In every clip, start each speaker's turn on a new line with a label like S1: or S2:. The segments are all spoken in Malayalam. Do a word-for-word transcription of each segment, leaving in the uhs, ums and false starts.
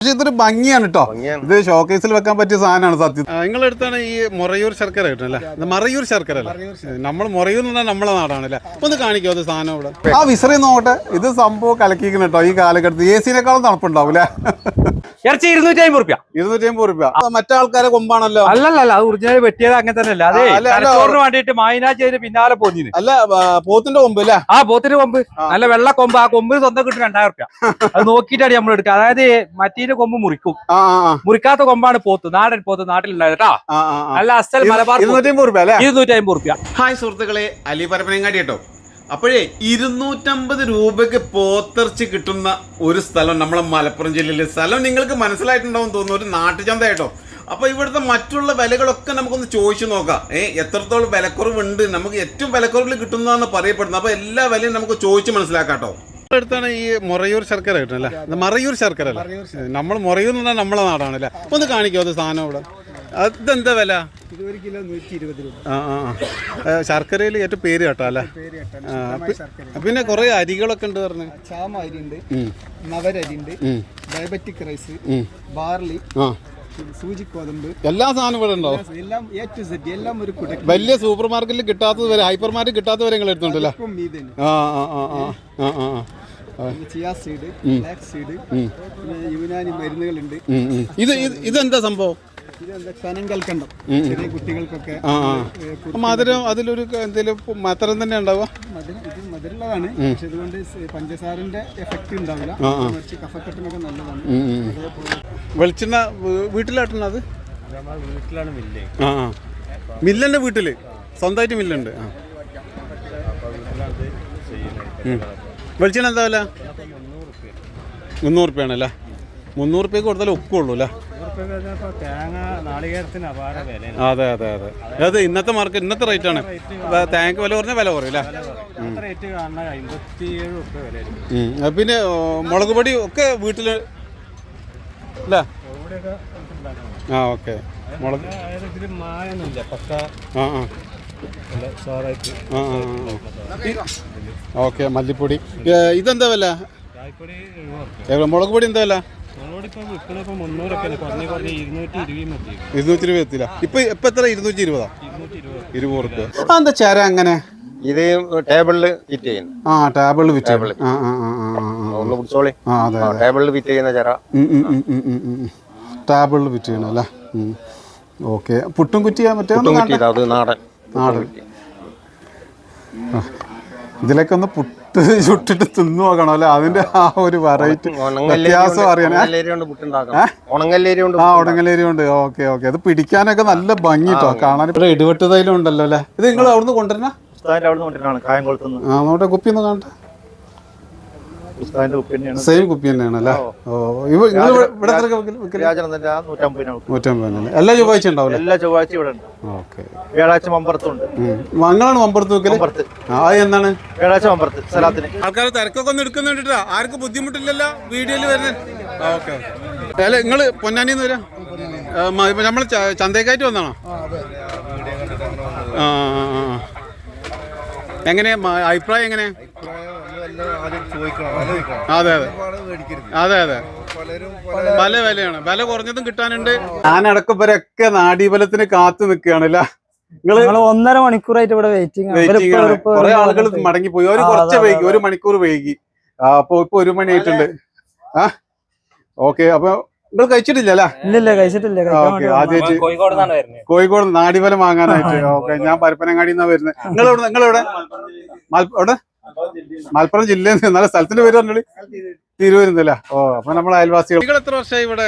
S1: പക്ഷെ ഇതൊരു ഭംഗിയാണ് കേട്ടോ. ഇത് ഷോക്കേസിൽ വെക്കാൻ പറ്റിയ സാധനമാണ് സത്യം. നിങ്ങളുടെ അടുത്താണ് ഈ മൊറയൂർ ശർക്കര കിട്ടുന്നല്ലേ? മറയൂർ ശർക്കര അല്ലേ? നമ്മൾ മൊറയൂർ എന്ന് പറഞ്ഞാൽ നമ്മളെ നാടാണല്ലേ? ഒന്ന് കാണിക്കോ അത് സാധനം ഇവിടെ. ആ വിസറി നോട്ടെ, ഇത് സംഭവം കലക്കിക്കണം കേട്ടോ. ഈ കാലഘട്ടത്തിൽ എ സിനേക്കാളും തണുപ്പുണ്ടാവൂലേ?
S2: ഇറച്ചി ഇരുന്നൂറ്റി അമ്പത് റുപ്യ
S1: ഇരുന്നൂറ്റി അമ്പത് റുപ്യ മറ്റേ ആൾക്കാരെ കൊമ്പാണല്ലോ.
S2: അല്ലല്ല, അത് ഒറിജിനൽ വെട്ടിയത് അങ്ങനെ തന്നെ അല്ല. അതെ, തലച്ചോറിന് വേണ്ടിട്ട് മായനാച്ചേരി പിന്നാലെ പോന്നിന്.
S1: അല്ല, പോത്തിന്റെ കൊമ്പ് അല്ലേ?
S2: ആ പോത്തിന്റെ കൊമ്പ് നല്ല വെള്ള കൊമ്പ്. ആ കൊമ്പ് സ്വന്തം കിട്ടും രണ്ടായിരം റുപ്യ. അത് നോക്കിയിട്ടാണ് നമ്മൾ എടുക്കുക. അതായത് മറ്റീന്റെ കൊമ്പ് മുറിക്കും. മുറിക്കാത്ത കൊമ്പാണ് പോത്ത്, നാടൻ പോത്ത് നാട്ടിലുണ്ടായത് കേട്ടോ. നല്ല അസൽ മലബാർ ഇരുന്നൂറ്റി അമ്പത് റുപ്യ ഇരുന്നൂറ്റി അമ്പത് റുപ്യ.
S1: ഹായ് സുഹൃത്തുക്കളെ, അലി പരപ്പനങ്ങാടി കേട്ടോ. അപ്പോഴേ ഇരുന്നൂറ്റമ്പത് രൂപയ്ക്ക് പോത്തിറച്ചി കിട്ടുന്ന ഒരു സ്ഥലം നമ്മളെ മലപ്പുറം ജില്ലയിലെ സ്ഥലം നിങ്ങൾക്ക് മനസ്സിലായിട്ടുണ്ടാവും തോന്നുന്നു. ഒരു നാട്ടുചന്ത കേട്ടോ. അപ്പോൾ ഇവിടുത്തെ മറ്റുള്ള വിലകളൊക്കെ നമുക്കൊന്ന് ചോദിച്ചു നോക്കാം. ഏ എത്രത്തോളം വിലക്കുറവുണ്ട്, നമുക്ക് ഏറ്റവും വിലക്കുറവിൽ കിട്ടുന്നതാണ് പറയപ്പെടുന്നത്. അപ്പോൾ എല്ലാ വിലയും നമുക്ക് ചോദിച്ച് മനസ്സിലാക്കാം കേട്ടോ. അടുത്താണ് ഈ മൊറയൂർ ശർക്കര കിട്ടുന്നല്ലേ? മറയൂർ ശർക്കര അല്ലേ? നമ്മൾ മൊറയൂർ എന്ന് പറഞ്ഞാൽ നമ്മളെ നാടാണല്ലേ? ഒന്ന് കാണിക്കോ അത് സാധനം ഇവിടെ. അതെന്താ വില?
S3: ഒരു കിലോ നൂറ്റി ഇരുപത് രൂപ.
S1: ആ ആ ശർക്കരയിൽ ഏറ്റവും പേര് കേട്ടോ അല്ലേ? പിന്നെ കുറെ അരികളൊക്കെ ഉണ്ട് പറഞ്ഞു.
S3: ചാമ അരി ഉണ്ട്, നവരരി ഉണ്ട്, ഡയബറ്റിക് റൈസ്, ബാർലി, സൂചി ഗോതമ്പ്, എല്ലാ സാധനവും ഇവിടെ ഉണ്ടാവും. എല്ലാം എ ടു സെഡ് എല്ലാം ഒരു കുട. വലിയ സൂപ്പർ മാർക്കറ്റിൽ കിട്ടാത്തത് വരെ, ഹൈപ്പർ മാർക്കറ്റ് കിട്ടാത്തത് വരെ നിങ്ങൾ എടുത്തുണ്ടല്ലേ? ആ ആ ആ ആ ആ chia seed, black seed, Unani മരുന്നുകളുണ്ട്.
S1: ഇത് ഇതെന്താ സംഭവം?
S3: കനങ്കൽക്കണ്ടം ചെറിയ കുട്ടികൾക്കൊക്കെ
S1: മധുരം അതിലൊരു എന്തെങ്കിലും മധുരം തന്നെ ഉണ്ടാവുക.
S3: ഇത് മധുരമുള്ളതാണ്, പക്ഷെ ഇതുകൊണ്ട് പഞ്ചസാരന്റെ എഫക്റ്റ് ഉണ്ടാവില്ല. കഫക്കെട്ടിനൊക്കെ നല്ലതാണ്.
S1: വെളിച്ചെണ്ണ വീട്ടിലാട്ടണ അത്
S3: വീട്ടിലാണ് മില്ല്.
S1: ആ ആ മില്ലന്റെ വീട്ടില് സ്വന്തമായിട്ട് മില്ലുണ്ട്. ആ വെളിച്ചെണ്ണ എന്താ വില? മുന്നൂറ് റുപ്യാണല്ലേ? മുന്നൂറ് റുപ്യക്ക് കൊടുത്താലേ ഒക്കുള്ളൂ അല്ലേ? അതെ അതെ അതെ അത് ഇന്നത്തെ മാർക്കറ്റ് ഇന്നത്തെ റേറ്റ് ആണ്. തേങ്ങ വില കുറഞ്ഞ വില കുറയും അല്ലേ? പിന്നെ മുളക് പൊടി ഒക്കെ വീട്ടില് അല്ലേ? ആ ഓക്കെ. മുളക് ആ ആ ഓക്കെ. മല്ലിപ്പൊടി ഇതെന്താ വില? മുളക് പൊടി എന്താ വില? ഇരുന്നൂറ്റി ഇരുപത് എത്തില്ല. ഇപ്പൊ ഇപ്പൊ എത്ര? ഇരുന്നൂറ്റി ഇരുപതാ? ഇരുപത് റുപ്യ. എന്താ ചേര അങ്ങനെ?
S4: ഇത് ടേബിളിൽ ഫിറ്റ് ചെയ്യുന്നു.
S1: ആ ടേബിളിൽ ഫിറ്റ്
S4: ടേബിളിൽ ഫിറ്റ് ചെയ്യുന്ന ചേര.
S1: ടേബിളിൽ ഫിറ്റ് ചെയ്യണം അല്ലേ? ഓക്കെ. പുട്ടും കുറ്റിയാ? മറ്റേ
S4: അത് നാടൻ
S1: നാടൻ. ഇതിലൊക്കെ ഒന്ന് പുട്ട് ചുട്ടിട്ട് തിന്നു നോക്കണം അല്ലെ? അതിന്റെ ആ ഒരു വെറൈറ്റി വ്യത്യാസം അറിയാൻ. ആ ഉണങ്ങലേരി ഉണ്ട്. Okay okay. അത് പിടിക്കാനൊക്കെ നല്ല ഭംഗി കേട്ടോ, കാണാൻ. ഇവിടെ ഇടിവെട്ട് തൈലം ഉണ്ടല്ലോ അല്ലേ? ഇത് നിങ്ങൾ അവിടുന്ന് കൊണ്ടുവരണ? ആ നോട്ടെ, കുപ്പി ഒന്ന് കാണട്ടെ. സെയിം കുപ്പി തന്നെയാണ് അല്ലേ? ഓ ഇവിടെ നൂറ്റമ്പതിനല്ലേ? എല്ലാ ചൊവ്വാഴ്ച ഉണ്ടാവില്ല?
S4: എല്ലാ ചൊവ്വാഴ്ച ഇവിടെ ഉണ്ട്.
S1: ഓക്കെ.
S4: വ്യാഴാഴ്ച മമ്പറത്തുണ്ട്.
S1: മങ്ങളാണ് മമ്പറത്ത് വെക്കല്? അത് എന്താണ്?
S4: വ്യാഴാഴ്ച മമ്പറത്ത് സ്ഥലത്തിന്
S1: ആൾക്കാർ തിരക്കൊക്കെ ഒന്ന് എടുക്കുന്നുണ്ട്. ആർക്കും ബുദ്ധിമുട്ടില്ലല്ലോ വീഡിയോയിൽ വരുന്നത്? ഓക്കെ. അല്ല നിങ്ങള് പൊന്നാനിന്ന് വരാം? നമ്മള് ചന്തേക്കായിട്ട് വന്നാണോ? ആ എങ്ങനെയാ അഭിപ്രായം? എങ്ങനെ? അതെ അതെ അതെ അതെ പല വിലയാണ്. വില കുറഞ്ഞതും കിട്ടാനുണ്ട്. ഞാനടക്കം ഇവരൊക്കെ നാഡീബലത്തിന് കാത്തു നിൽക്കുകയാണല്ലേ?
S5: നിങ്ങള് ഒന്നര മണിക്കൂറായിട്ട് ഇവിടെ വെയിറ്റിംഗ്.
S1: കുറെ ആളുകൾ മടങ്ങിപ്പോയി. ഒരു കുറച്ച് വൈകി, ഒരു മണിക്കൂർ വൈകി. അപ്പൊ ഇപ്പൊ ഒരു മണി ആയിട്ടുണ്ട്. ആ ഓക്കെ. അപ്പൊ നിങ്ങൾ കഴിച്ചിട്ടില്ല?
S5: ഇല്ല കഴിച്ചിട്ടില്ല.
S1: ആദ്യമായിട്ട് കോഴിക്കോട് നാടിഫലം വാങ്ങാനായിട്ട്. ഓക്കെ. ഞാൻ പരപ്പനങ്ങാടിന്നാ വരുന്നത്. നിങ്ങളെവിടെ? നിങ്ങളെവിടെ? എവിടെ? മലപ്പുറം ജില്ലയിൽ നിന്ന്. നല്ല സ്ഥലത്തിന്റെ പേര് പറഞ്ഞോളി. തിരുവനന്തപുരം. ഓ അപ്പൊ നമ്മളെ അയൽവാസികൾ. നിങ്ങൾ എത്ര വർഷമായി ഇവിടെ?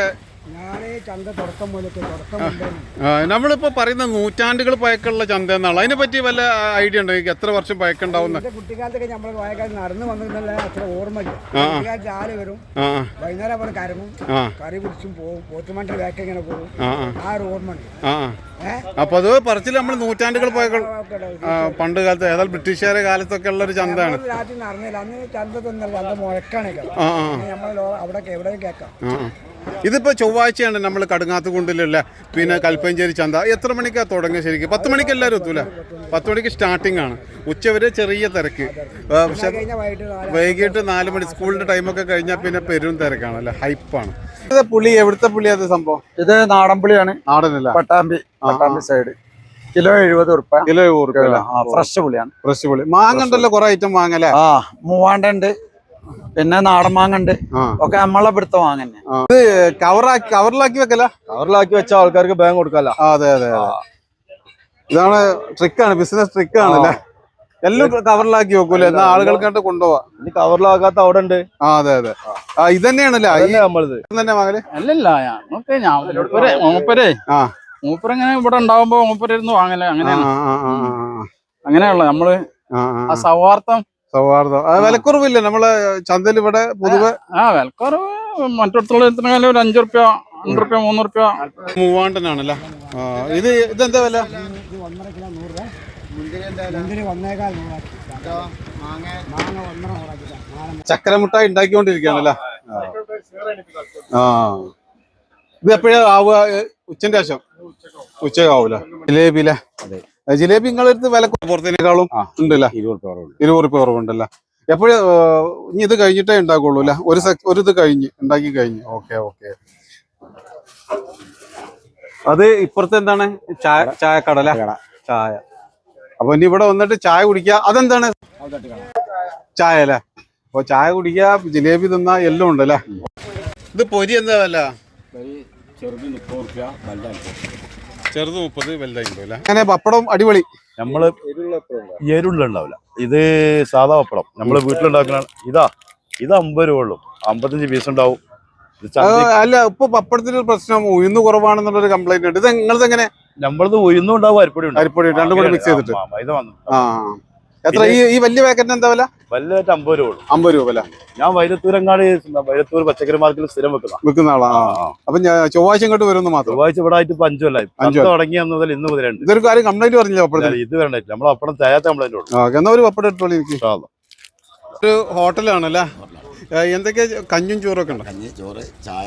S1: നമ്മളിപ്പോ പറയുന്ന നൂറ്റാണ്ടുകൾ പഴക്കമുള്ള ചന്ത എന്നാണ്. അതിനെ പറ്റി വല്ല ഐഡിയ ഉണ്ടോ? എത്ര വർഷം പഴക്കുണ്ടാവുന്ന?
S3: കുട്ടിക്കാലത്തൊക്കെ നമ്മൾ നടന്നു വന്നിരുന്നല്ല അത്ര ഓർമ്മയില്ല. രാവിലെ വരും, വൈകുന്നേരം അവിടെ കരമും കറി കുടിച്ചും പോകും. പോത്തുമാൻ്റെ ബാക്ക് ഇങ്ങനെ പോകും. ആ ഒരു ഓർമ്മ ഉണ്ട്.
S1: അപ്പൊ അത് പറച്ചിൽ നമ്മൾ നൂറ്റാണ്ടുകൾ പഴക്കം പണ്ട് കാലത്ത് ഏതായാലും ബ്രിട്ടീഷുകാരുടെ കാലത്തൊക്കെ ഉള്ള ഒരു ചന്തയാണ്.
S3: രാത്രി നടന്നില്ല അന്ന്. ചന്ത തന്നല്ല, ചന്ത മുഴക്കാണ്. നമ്മൾ അവിടെ എവിടെ കേൾക്കാം.
S1: ഇതിപ്പോ ചൊവ്വാഴ്ചയാണ് നമ്മൾ കടുങ്ങാത്തുകുണ്ടിലുള്ള പിന്നെ കൽപ്പഞ്ചേരി ചന്ത. എത്ര മണിക്കാണ് തുടങ്ങുക ശരിക്കും? പത്ത് മണിക്ക് എല്ലാവരും എത്തൂല? പത്ത് മണിക്ക് സ്റ്റാർട്ടിംഗ് ആണ്. ഉച്ചവരെ ചെറിയ തിരക്ക്. പക്ഷെ വൈകിട്ട് നാല് മണി സ്കൂളിന്റെ ടൈമൊക്കെ കഴിഞ്ഞാൽ പിന്നെ പെരും തിരക്കാണ് അല്ലെ? ഹൈപ്പാണ്. പുളി എവിടുത്തെ പുളിയാ സംഭവം?
S3: ഇത് നാടൻപുളിയാണ്.
S1: നാടനല്ല,
S3: പട്ടാമ്പി പട്ടാമ്പി സൈഡ്. കിലോ എഴുപത് ഉറുപ്പ.
S1: കിലോ എഴുപത് റുപ്യ.
S3: ഫ്രഷ് പുളിയാണ്.
S1: ഫ്രഷ് പുളി. മാങ്ങ ഉണ്ടല്ലോ, കുറെ ഐറ്റം മാങ്ങല്ലേ?
S3: ആ മൂവാണ്ട ഉണ്ട്, പിന്നെ നാടൻ മാങ്ങ ഉണ്ട്, ഒക്കെ നമ്മളെ ഇവിടുത്തെ മാങ്ങ തന്നെ.
S1: ഇത് കവറാക്കി കവറിലാക്കി വെക്കല?
S4: കവറിലാക്കി വെച്ച ആൾക്കാർക്ക് ബാങ്ക് കൊടുക്കാല്ല.
S1: അതെ അതെ, ഇതാണ് ട്രിക്കാണ്, ബിസിനസ് ട്രിക്കാണല്ലേ. എല്ലാം കവറിലാക്കി വെക്കൂല, എന്നാ ആളുകൾക്കായിട്ട് കൊണ്ടുപോവാ.
S4: ഇനി കവറിലാക്കാത്ത അവിടെ ഉണ്ട്.
S1: ആ അതെ അതെ, ആ ഇത് തന്നെയാണല്ലേ
S4: നമ്മളത്
S1: തന്നെ വാങ്ങല്?
S6: അല്ലല്ല ഞങ്ങൾക്ക് ഞാൻ മൂപ്പരേ
S1: ആ
S6: മൂപ്പരിങ്ങനെ ഇവിടെ ഉണ്ടാവുമ്പോ മൂപ്പരിരുന്ന് വാങ്ങല് അങ്ങനെയാണ്. അങ്ങനെയുള്ള നമ്മള് ആ സൗഹാർദ്ദം
S1: സൗഹാർദ്ദം. വിലക്കുറവില്ല നമ്മളെ ചന്തയിൽ ഇവിടെ പൊതുവെ?
S6: ആ വിലക്കുറവ് മറ്റിടത്തുള്ള എത്രയാലും ഒരു അഞ്ചു റുപ്യ രണ്ട് റുപ്യ മൂന്ന് റുപ്യ.
S1: മൂവാണ്ടനാണല്ലേ. ഇത് ഇതെന്താ വില? ചക്കരമുട്ടായി ഉണ്ടാക്കിക്കൊണ്ടിരിക്കുകയാണല്ലേ. ആ ഇത് എപ്പോഴാ ആവുക? ഉച്ചന്റെ ശേഷം? ഉച്ചയാവൂല. ജിലേബിയിലെ ജിലേബി നിങ്ങളടുത്ത് വില പുറത്തേക്കാളും ഉണ്ടല്ലേ? ഇരുപത് റുപ്യ കുറവുണ്ടല്ലേ. എപ്പോഴും ഇനി ഇത് കഴിഞ്ഞിട്ടേ ഉണ്ടാക്കുള്ളൂ അല്ലെ? ഒരു ഒരു ഇത് കഴിഞ്ഞ് ഉണ്ടാക്കി കഴിഞ്ഞ്. Okay okay. അത് ഇപ്പുറത്തെ എന്താണ്? ചായ ചായക്കടല ചായ. അപ്പൊ ഇനി ഇവിടെ വന്നിട്ട് ചായ കുടിക്കുക. അതെന്താണ്? ചായ അല്ലേ. അപ്പൊ ചായ കുടിക്കുക, ജിലേബി തിന്നാ എല്ലാം ഉണ്ടല്ലേ. ഇത് പൊരി എന്താ വില? ചെറുത് മുപ്പത്, വലുതായില്ല. അങ്ങനെ പപ്പടം അടിപൊളി.
S7: നമ്മള് എരുള്ള ഉണ്ടാവില്ല, ഇത് സാധാ പപ്പടം നമ്മള് വീട്ടിലുണ്ടാക്കുന്ന. ഇതാ ഇത് അമ്പത് രൂപ ഉള്ളു, അമ്പത്തഞ്ച് പീസ് ഉണ്ടാവും.
S1: അല്ല ഇപ്പൊ പപ്പടത്തിന് ഒരു പ്രശ്നം, ഉയർന്നു കുറവാണെന്നുള്ളൊരു കംപ്ലൈന്റ് ഉണ്ട്. ഇത് നിങ്ങളത് എങ്ങനെ?
S7: നമ്മളത് ഉയർന്നും ഉണ്ടാവും, അരിപ്പൊടി ഉണ്ടാവും.
S1: അരിപ്പൊടി രണ്ടും കൂടെ മിക്സ് ചെയ്തിട്ട്.
S7: ഇത് വന്നു.
S1: ആ എത്ര ഈ ഈ വലിയ പാക്കറ്റിന് എന്താ വില?
S7: വലുതായിട്ട് അമ്പത് രൂപ ഉള്ളു.
S1: അമ്പത് രൂപ അല്ലേ.
S7: ഞാൻ വൈരത്തൂരങ്ങാട് വൈരത്തൂർ പച്ചക്കറി മാർക്കറ്റിൽ സ്ഥിരം വെക്കുന്ന
S1: വെക്കുന്ന ആളാ. അപ്പൊ ചൊവ്വാഴ്ച ഇങ്ങോട്ട് വരുമെന്ന് മാത്രം.
S7: ചൊവ്വാഴ്ച ഇവിടെ ആയിട്ട് ഇപ്പൊ അഞ്ചു കൊല്ലായി. അഞ്ചു തുടങ്ങി മുതൽ ഇന്ന് മുതലുണ്ട്.
S1: ഇതൊരു കാര്യം കംപ്ലൈന്റ് പറഞ്ഞില്ല പപ്പടത്തിന്?
S7: ഇത് വരണ്ടായിട്ട് നമ്മൾ അപ്പടം തയ്യാത്ത കംപ്ലൈന്റ് ഉള്ളു.
S1: എന്നാ ഒരു പപ്പടം എടുത്തോളൂ എനിക്ക്. ഒരു ഹോട്ടലാണല്ലേ. എന്തൊക്കെയാ? കഞ്ഞും ചോറൊക്കെ ഉണ്ടോ?
S8: കഞ്ഞി, ചോറ്, ചായ,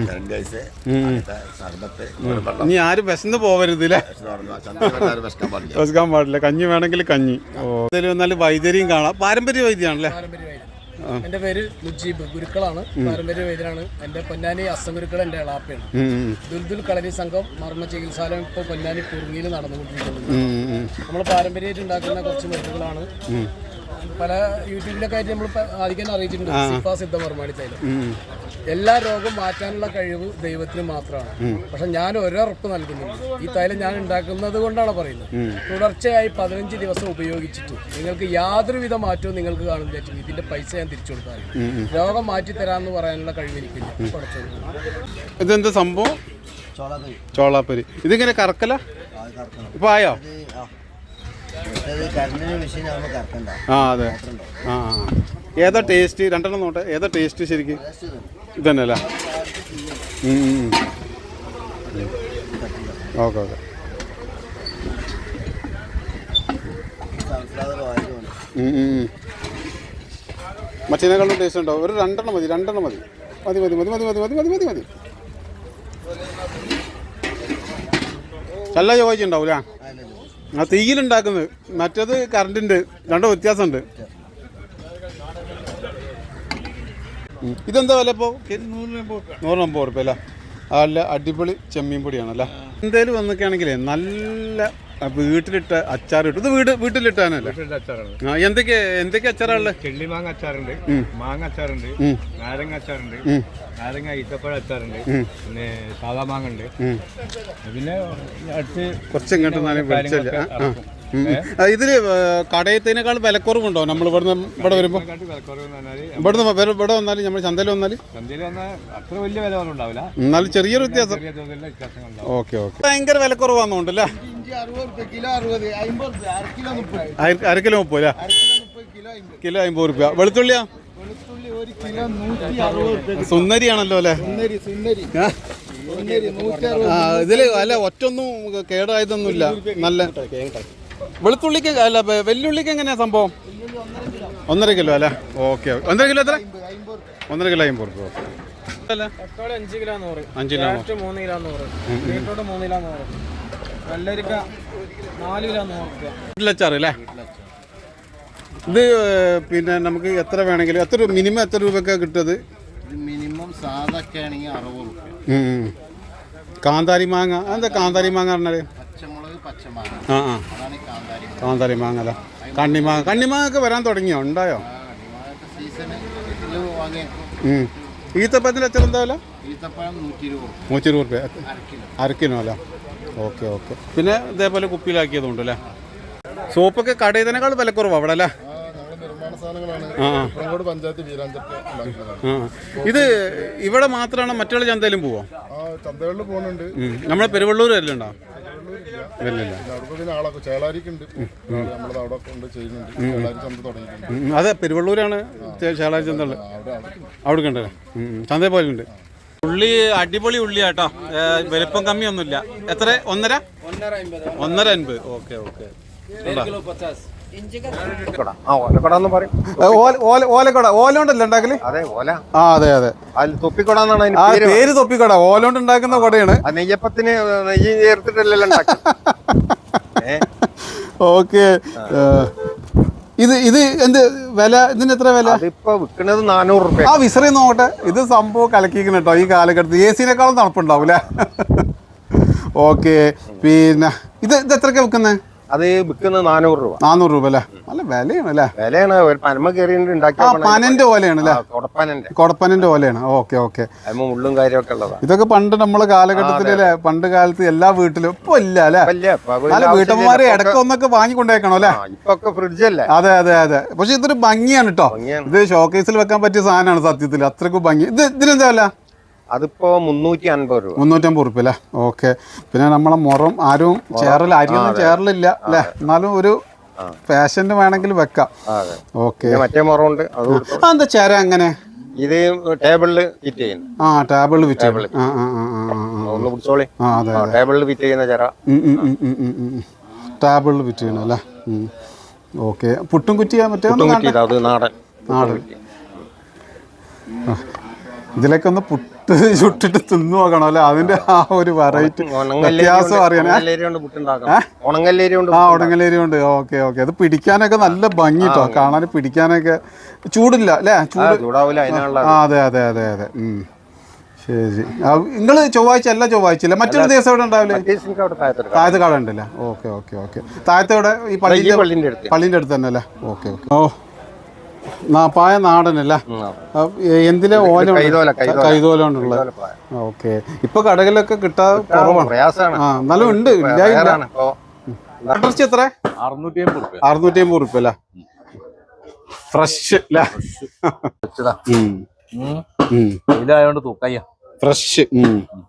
S8: സർബത്ത്.
S1: ഇനി ആരും വിശന്ന് പോവരുത് അല്ലേ? വിശക്കാൻ പാടില്ല. കഞ്ഞി വേണമെങ്കിൽ കഞ്ഞി. ഓ എന്തായാലും വന്നാലും വൈദ്യരിയും കാണാം. പാരമ്പര്യ വൈദ്യാണല്ലേ?
S9: എന്റെ പേര് മുജീബ്, ഗുരുക്കളാണ്, പാരമ്പര്യ വൈദ്യനാണ്. എന്റെ പൊന്നാനി അസംഗുരുക്കൾ എന്റെ എളാപ്പയാണ്. ദുൽദുൽ കളരി സംഘം മർമ്മ ചികിത്സാലയം ഇപ്പൊ പൊന്നാനി കുറുങ്ങിയിൽ നടന്നുകൊണ്ടിരിക്കുന്നത്. നമ്മൾ പാരമ്പര്യമായിട്ട് ഉണ്ടാക്കുന്ന കുറച്ച് മരുന്നുകളാണ്. പല യൂട്യൂബിലൊക്കെ ആയിട്ട് നമ്മൾ ആദ്യം അറിയിച്ചിട്ടുണ്ട്. സിഫ സിദ്ധമർമാണി തൈലം. എല്ലാ രോഗവും മാറ്റാനുള്ള കഴിവ് ദൈവത്തിന് മാത്രമാണ്. പക്ഷെ ഞാൻ ഒരറുപ്പ് നൽകുന്നുണ്ട്. ഈ തൈലം ഞാൻ ഉണ്ടാക്കുന്നത് കൊണ്ടാണ് പറയുന്നത്. തുടർച്ചയായി പതിനഞ്ച് ദിവസം ഉപയോഗിച്ചിട്ട് നിങ്ങൾക്ക് യാതൊരുവിധ മാറ്റവും നിങ്ങൾക്ക് കാണുന്നില്ല. ഇതിന്റെ പൈസ ഞാൻ തിരിച്ചു കൊടുക്കാറില്ല. രോഗം മാറ്റി തരാമെന്ന് പറയാനുള്ള കഴിവ് എനിക്കില്ല.
S1: ഇതെന്താ സംഭവം? ചോളാപ്പരി. ഇതിങ്ങനെ കറക്കല ഇപ്പൊ ആയോ? ആ അതെ. ആ ഏതാ ടേസ്റ്റ്? രണ്ടെണ്ണം നോട്ടെ, ഏതാ ടേസ്റ്റ് ശരിക്കും? ഇതന്നെ അല്ലേ? Okay okay. മറ്റേതിനേക്കാളും ടേസ്റ്റ് ഉണ്ടോ? ഒരു രണ്ടെണ്ണം മതി, രണ്ടെണ്ണം മതി മതി മതി മതി മതി മതി മതി മതി മതി. നല്ല ചോദിച്ചുണ്ടാവൂല. ആ തീയിലുണ്ടാക്കുന്നത്, മറ്റേത് കറണ്ടിൻ്റെ, രണ്ടോ വ്യത്യാസമുണ്ട്. ഇതെന്താ വില ഇപ്പോൾ? നൂറമ്പത് റുപ്യ അല്ലേ? നല്ല അടിപൊളി ചെമ്മീൻ പൊടിയാണല്ലേ. എന്തേലും വന്നൊക്കെയാണെങ്കിലേ നല്ല വീട്ടിലിട്ട അച്ചാർ കിട്ടും. ഇത് വീട് വീട്ടിലിട്ടാനല്ലേ? ആ എന്തൊക്കെ എന്തൊക്കെ അച്ചാറുള്ളത്?
S10: ചെള്ളി മാങ്ങ അച്ചാറുണ്ട്, മാങ്ങ അച്ചാറുണ്ട്, നാരങ്ങ അച്ചാറുണ്ട്, നാരങ്ങ ഈത്തപ്പഴ അച്ചാറുണ്ട്, പിന്നെ സാധാ മാങ്ങ ഉണ്ട്. പിന്നെ അടുത്ത്
S1: കുറച്ച് ഇങ്ങോട്ട് വിളിച്ചല്ല. ഇതില് കടയത്തിനേക്കാൾ വിലക്കുറവുണ്ടോ നമ്മൾ ഇവിടുന്ന് ഇവിടെ വരുമ്പോ? ഇവിടുന്ന് ഇവിടെ വന്നാലും നമ്മൾ ചന്തയിൽ വന്നാല്
S10: ചന്തയിൽ വന്നാൽ അത്ര വലിയ വില ഒന്നും ഉണ്ടാവില്ല,
S1: എന്നാലും ചെറിയൊരു വ്യത്യാസം. Okay okay. ഭയങ്കര വിലക്കുറവാന്നുണ്ടല്ലേ? അര കിലോ മുപ്പത് അല്ലേ? കിലോ അമ്പത് റുപ്യ. വെളുത്തുള്ളിയാ? സുന്ദരിയാണല്ലോ അല്ലേ? ആ ഇതില് അല്ല ഒറ്റൊന്നും കേടായതൊന്നുമില്ല. നല്ല വെളുത്തുള്ളിക്ക് അല്ല വെല്ലുള്ളിക്ക് എങ്ങനെയാ സംഭവം? ഒന്നര കിലോ അല്ലേ? ഓക്കെ. ഒന്നര കിലോ എത്ര? ഒന്നര കിലോ അമ്പത് റുപ്യ. അല്ല
S9: അഞ്ച് കിലോ നൂറ്,
S1: അഞ്ച് കിലോ
S9: മൂന്ന് കിലോ നൂറ്, ബീട്രൂട്ട് മൂന്ന് കിലോ നൂറ്, വെള്ളരിക്ക നാല് കിലോ നൂറ്.
S1: വീട്ടിലച്ചാറ് അല്ലേ? ഇത് പിന്നെ നമുക്ക് എത്ര വേണമെങ്കിലും എത്ര മിനിമം എത്ര രൂപയ്ക്കാണ് കിട്ടുന്നത്?
S8: മിനിമം
S3: സാധൊക്കെ ആണെങ്കിൽ അറുപത് റുപ്യ.
S1: കാന്താരി മാങ്ങ എന്താ കാന്താരി മാങ്ങ പറഞ്ഞാല്?
S3: പച്ചമുളക് പച്ചമാങ്ങ
S1: ആ ആ
S3: അതാണ് കാന്താരി.
S1: കാന്താരി മാങ്ങ അല്ല കണ്ണിമാങ്ങ. കണ്ണിമാങ്ങ ഒക്കെ വരാൻ തുടങ്ങിയോ? ഉണ്ടായോ?
S3: സീസണ് വാങ്ങിയേക്കും.
S1: ഈത്തപ്പഴത്തിന് എത്ര എന്താ വില?
S3: ഈത്തപ്പഴം നൂറ്റി ഇരുപത്
S1: നൂറ്റി ഇരുപത് റുപ്യ അര കിലോ അല്ല? Okay okay. പിന്നെ ഇതേപോലെ കുപ്പിയിലാക്കിയതുണ്ട് അല്ലേ? സോപ്പൊക്കെ കടയിൽ തന്നെക്കാൾ വിലക്കുറവാണ് അവിടെ അല്ലേ?
S3: നിർമ്മാണ സാധനങ്ങളാണ്.
S1: ആ
S3: പഞ്ചായത്ത് വീരാഞ്ചൊക്കെ
S1: ആ ഇത് ഇവിടെ മാത്രമാണ് മറ്റുള്ള ചന്തയിലും പോവോ?
S3: ചന്തകളിൽ പോകുന്നുണ്ട്.
S1: നമ്മളെ പെരുവള്ളൂർ വരലുണ്ടോ? വരില്ല.
S3: ചേളാരിക്കുണ്ട്, നമ്മളത് അവിടെ കൊണ്ട് ചെയ്യുന്നുണ്ട്. ചേളാരി ചന്ത തുടങ്ങിയിട്ടുണ്ട്.
S1: അതെ പെരുവള്ളൂരാണ് ചേളാരി ചന്ത ഉള്ളത്. അവിടെ കണ്ടല്ലേ ചന്തയിൽ പോലുണ്ട്. ഉള്ളി അടിപൊളി ഉള്ളിയാട്ടോ, വലിപ്പം കമ്മിയൊന്നുമില്ല. എത്ര? ഒന്നര ഒന്നര അൻപത്. Okay okay. ഓലക്കൊട ഓല കൊണ്ടല്ലേ ഉണ്ടാക്കല്?
S4: അതെ ഓല.
S1: ആ അതെ അതെ
S4: തൊപ്പിക്കൊട എന്നാണ്
S1: ആ പേര്. തൊപ്പിക്കൊട ഓല കൊണ്ട് ഉണ്ടാക്കുന്ന കൊടയാണ്.
S4: നെയ്യപ്പത്തിന് നെയ്യ് ചേർത്തിട്ടല്ലല്ലോ ഉണ്ടാക്കി.
S1: ഓക്കെ. ഇത് ഇത് എന്ത് വില? ഇതിന് എത്ര വില?
S4: അതിപ്പോ വിൽക്കുന്നത് നാനൂറ് റുപ്യ.
S1: ആ വിസറി നോട്ടെ. ഇത് സംഭവം കലക്കിക്കുന്ന കേട്ടോ ഈ കാലഘട്ടത്തിൽ. എ സിനേക്കാളും തണുപ്പുണ്ടാവും അല്ലേ? ഓക്കെ. പിന്നെ ഇത് ഇത് എത്രയൊക്കെ വിൽക്കുന്നത്?
S4: അത് വിൽക്കുന്നത് നാനൂറ് രൂപ.
S1: നാനൂറ് രൂപ അല്ലേ? നല്ല വിലയാണ് അല്ലേ?
S4: വിലയാണ്. ഒരു പനമ കയറി
S1: ആ പനന്റെ ഓലയാണ് അല്ലേ?
S4: കൊടപ്പനന്റെ
S1: കൊടപ്പനന്റെ ഓലയാണ്. Okay okay.
S4: അതിന് മുള്ളും കാര്യമൊക്കെ ഉള്ളതാണ്.
S1: ഇതൊക്കെ പണ്ട് നമ്മളെ കാലഘട്ടത്തിലല്ലേ? പണ്ട് കാലത്ത് എല്ലാ വീട്ടിലും. ഇപ്പൊ ഇല്ല അല്ലേ? അല്ല വീട്ടമ്മമാരെ ഇടയ്ക്ക് ഒന്നൊക്കെ വാങ്ങിക്കൊണ്ടേക്കണോ അല്ലേ?
S4: ഇപ്പൊക്കെ ഫ്രിഡ്ജല്ലേ?
S1: അതെ അതെ അതെ. പക്ഷെ ഇതൊരു ഭംഗിയാണ് കേട്ടോ. ഇത് ഷോക്കേസിൽ വെക്കാൻ പറ്റിയ സാധനമാണ് സത്യത്തിൽ. അത്രക്കും ഭംഗി. ഇത് ഇതിനെന്താ അല്ല?
S4: അതിപ്പോ മുന്നൂറ്റി അൻപത് രൂപ.
S1: മുന്നൂറ്റമ്പത് റുപ്യ അല്ലേ? ഓക്കെ. പിന്നെ നമ്മളെ മുറം ആരും ചേറൽ അരിയൊന്നും ചേറലില്ല അല്ലേ? എന്നാലും ഒരു ഫാഷന് വേണമെങ്കിൽ വെക്കാം. ഓക്കെ.
S4: മറ്റേ മുറമുണ്ട്.
S1: എന്താ ചേര അങ്ങനെ?
S4: ഇത് ടേബിളില് ഫിറ്റ് ചെയ്യുന്നു.
S1: ആ ടേബിളിൽ ഫിറ്റ്
S4: ടേബിളിൽ ഫിറ്റ് ചെയ്യുന്ന ചേര.
S1: ടേബിളിൽ ഫിറ്റ് ചെയ്യണം അല്ലേ? ഓക്കെ. പുട്ടും കുറ്റിയാ? മറ്റേ
S4: അത് നാടൻ
S1: നാടൻ. ഇതിലൊക്കെ ഒന്ന് പുട്ട് ചുട്ടിട്ട് തിന്നു നോക്കണം അല്ലെ? അതിന്റെ ആ ഒരു വെറൈറ്റി വ്യത്യാസം അറിയാൻ. ആ ഉണങ്ങലേരി ഉണ്ട്. Okay okay. അത് പിടിക്കാനൊക്കെ നല്ല ഭംഗി കേട്ടോ, കാണാൻ പിടിക്കാനൊക്കെ. ചൂടില്ല അല്ലേ? ചൂട്. ആ അതെ അതെ അതെ അതെ. ശരി. നിങ്ങള് ചൊവ്വാഴ്ച അല്ല ചൊവ്വാഴ്ച ഇല്ല മറ്റൊരു ദിവസം എവിടെ ഉണ്ടാവില്ലേ? താഴത്തെ കാട ഉണ്ടല്ലേ? Okay okay okay. താഴത്തെ ഇവിടെ ഈ പള്ളിന്റെ പള്ളിന്റെ അടുത്ത് തന്നെ അല്ലേ? Okay okay. ഓ പായ നാടനല്ല? എന്തിലെ ഓല? കൈതോല കൊണ്ടുള്ളത്. ഓക്കെ. ഇപ്പൊ കടകളിലൊക്കെ കിട്ടാൻ കുറവാണ്. ആ എന്നാലും ഉണ്ട്. ഇല്ല ഇല്ല. ഇറച്ചി എത്ര?
S7: അറുന്നൂറ്റി അമ്പത് റുപ്യ.
S1: അറുന്നൂറ്റി അമ്പത് റുപ്യ അല്ലേ? ഫ്രഷ് അല്ലേ?
S7: ഇതായോണ്ട് തൂക്കയ്യ
S1: ഫ്രഷ്.